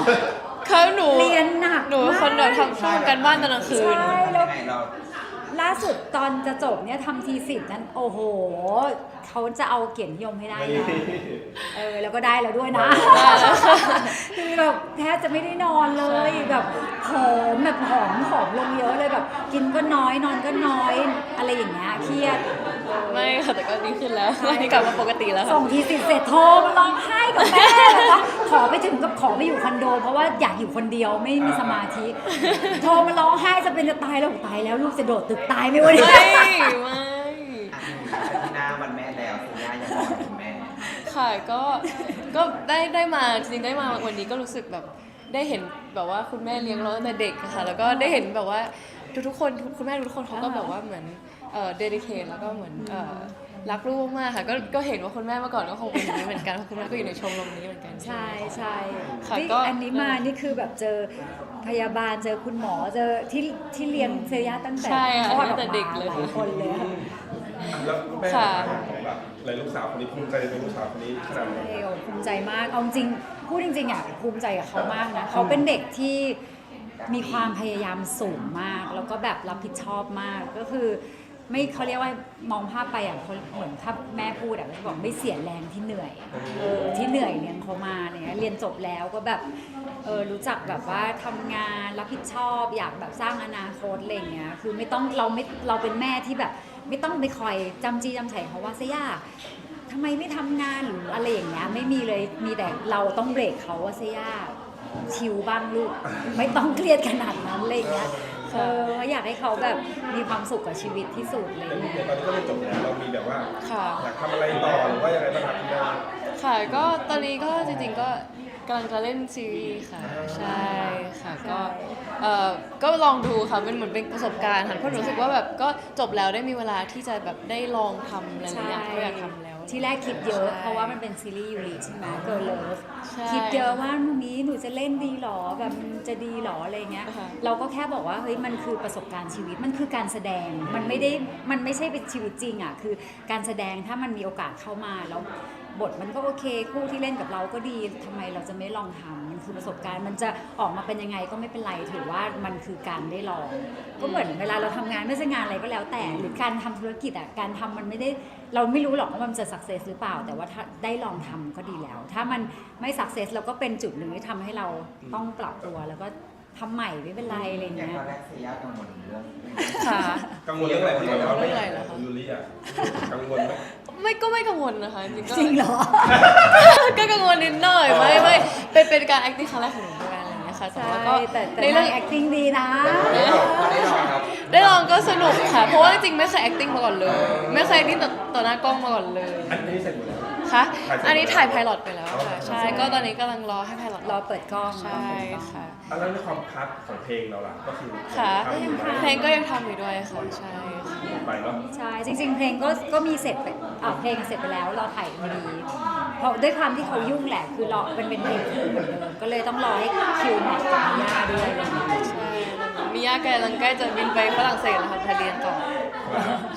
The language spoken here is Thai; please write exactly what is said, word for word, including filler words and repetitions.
เขาหนูเรียนหนักหนูคนเดียวทำช่วงกันบ้านตอนกลางคืนใช่แล้วเราล่าสุดตอนจะจบเนี่ยทำทีสิบนั้นโอ้โหเขาจะเอาเกียรตินิยมให้ได้นะเออแล้วก็ได้แล้วด้วยนะคือแบบแทบจะไม่ได้นอนเลยแบบผอมแบบผอมผอมลงเยอะเลยแบบกินก็น้อยนอนก็น้อยอะไรอย่างเงี้ยเครียดไม่ค่ะแต่ก็ดีขึ้นแล้วตอนนี้กลับมาปกติแล้วค่ะส่งทีสิบเสร็จโทรมาร้องไห้กับแม่แบบว่าขอไปถึงกับขอไปอยู่คอนโดเพราะว่าอยากอยู่คนเดียวไม่มีสมาธิโทรมาร้องไห้จะเป็นจะตายแล้วตายแล้วลูกจะโดดตึกตายไหมวะเนี่ยไม่ไม่ที่หน้าวันแม่แล้วคุณย่ายังบอกคุณแม่ค่ะก็ก็ได้ได้มาจริงๆได้มาวันนี้ก็รู้สึกแบบได้เห็นแบบว่าคุณแม่เลี้ยงเราตั้งแต่เด็กค่ะแล้วก็ได้เห็นแบบว่าทุกๆคนคุณแม่ทุกคนเขาก็แบบว่าเหมือนเอ่อเดดิเคทแล้วก็เหมือนเอ่อรักลูกมากค่ะก็ก็เห็นว่าคุณแม่เมื่อก่อนก็คงเป็นอย่างนี้เหมือนกันเพราะคุณแม่ก็อยู่ในชมรมนี้เหมือนกันใช่ใช่ค่ะนี่ก็อันนี้มานี่คือแบบเจอพยาบาลเจอคุณหมอเจอที่ที่เลี้ยงเซย่าตั้งแต่คลอดออกมาหลายคนเลยค่ะแล้วแม่ของแบบเลยลูกสาวคนนี้ภูมิใจในลูกสาวคนนี้ขนาดไหนใช่ภูมิใจมากเอาจริงพูดจริงๆอ่ะภูมิใจกับเขามากนะเขาเป็นเด็กที่มีความพยายามสูงมากแล้วก็แบบรับผิดชอบมากก็คือไม่เขาเรียกว่ามองภาพไปอ่ะเขาเหมือนถ้าแม่พูดอ่ะเขาบอกไม่เสียแรงที่เหนื่อยเออที่เหนื่อยเลี้ยงเขามาเนี่ยเรียนจบแล้วก็แบบเออรู้จักแบบว่าทำงานรับผิดชอบอยากแบบสร้างอนาคตอะไรเงี้ยคือไม่ต้องเราไม่เราเป็นแม่ที่แบบไม่ต้องไปคอยจำจี้จำไฉเขาว่าเสียทำไมไม่ทำงานหรืออะไรอย่างเงี้ยไม่มีเลยมีแต่เราต้องเบรกเขาว่าเสียชิลบ้างลูกไม่ต้องเครียดขนาดนั้นอะไรเงี้ยเอออยากให้เขาแบบมีความสุขกับชีวิตที่สุดเลยเนี่ยตอนนี้ก็เรียนจบแล้วเรามีแบบว่าค่ะอยากทำอะไรต่อหรือว่ายังไงบ้างครับคุณแม่ค่ะก็ตอนนี้ก็จริงๆก็กำลังจะเล่นซีรีส์ค่ะใช่ค่ะก็เอ่อก็ลองดูค่ะเป็นเหมือนเป็นประสบการณ์ค่ะเพราะหนูรู้สึกว่าแบบก็จบแล้วได้มีเวลาที่จะแบบได้ลองทำอะไรอย่างที่อยากทำแล้วที่แรกคิดเยอะเพราะว่ามันเป็นซีรีส์ยูริใช่ไหมเกิร์ลเลิฟใช่คิดเยอะว่าวันนี้หนูจะเล่นดีหรอแบบมันจะดีหรออะไรเงี้ยค่ะเราก็แค่บอกว่าเฮ้ยมันคือประสบการณ์ชีวิตมันคือการแสดงมันไม่ได้มันไม่ใช่เป็นชีวิตจริงอ่ะคือการแสดงถ้ามันมีโอกาสเข้ามาแล้วบทมันก็โอเคคู่ที่เล่นกับเราก็ดีทำไมเราจะไม่ลองทำมันคือประสบการณ์มันจะออกมาเป็นยังไงก็ไม่เป็นไรถือว่ามันคือการได้ลองก็เหมือนเวลาเราทำงานไม่ใช่งานอะไรก็แล้วแต่หรือการทำธุรกิจอ่ะการทำมันไม่ได้เราไม่รู้หรอกว่ามันจะสักเซสหรือเปล่าแต่ว่าถ้าได้ลองทำก็ดีแล้ว ถ้ามันไม่สักเซสเราก็เป็นจุดหนึ่งที่ทำให้เราต้องปรับตัวแล้วก็ทำใหม่ไม่เป็นไรอะไรอย่างเงี้ยตอนแรกเสียกังวลเรื่องค่ะกังวลเรื่องอะไรที่แบบว่าเรื่องอะไรเหรอคะยูริอ่ะกังวลไหมไม่ก็ไม่กังวลนะคะจริงๆก็จริงเหรอก็กังวลนิดหน่อยไม่ไม่เป็นเป็นการ acting ครั้งแรกของหนูด้วยอะไรอย่างเงี้ยค่ะแต่ใช่ว่าก็แต่แต่ในเรื่เรื่ออง ง acting ดีนะได้ลองได้ลองครับได้ลองก็สนุกค่ะ เพราะว่าจริงๆไม่เคย acting มาก่อนเลย ไม่เคย acting ต่อต่อหน้ากล้องมาก่อนเลยอันนี้เสร็จหมดแล้วค่ะถ่ายเสร็จอันนี้ถ่ายไพลอตไปแล้วอ๋อค่ะ ใช่ ก็ตอนนี้กำลังรอให้ไพลอตรอเปิดกล้องใช่ค่ะแล้วในความพัดของเพลงเราล่ะก็คือค่ะทำอยู่ไหมเพลงก็ยังทำอยู่ด้วยค่ะ ใช่ค่ะไปเนาะใช่จริง ๆ เพลงก็ก็มีเสร็จไปอ่าเพลงเสร็จไปแล้วรอถ่ายพอดีเพราะด้วยความที่เขายุ่งแหละคือรอเป็นเป็นเพลงคู่เหมือนเดิมก็เลยต้องรอให้คิวแมทกับมิยาด้วยอะไรอย่างเงี้ยใช่ มีย่ากำลังใกล้จะบินไปฝรั่งเศสแล้วค่ะไปเรียนต่อ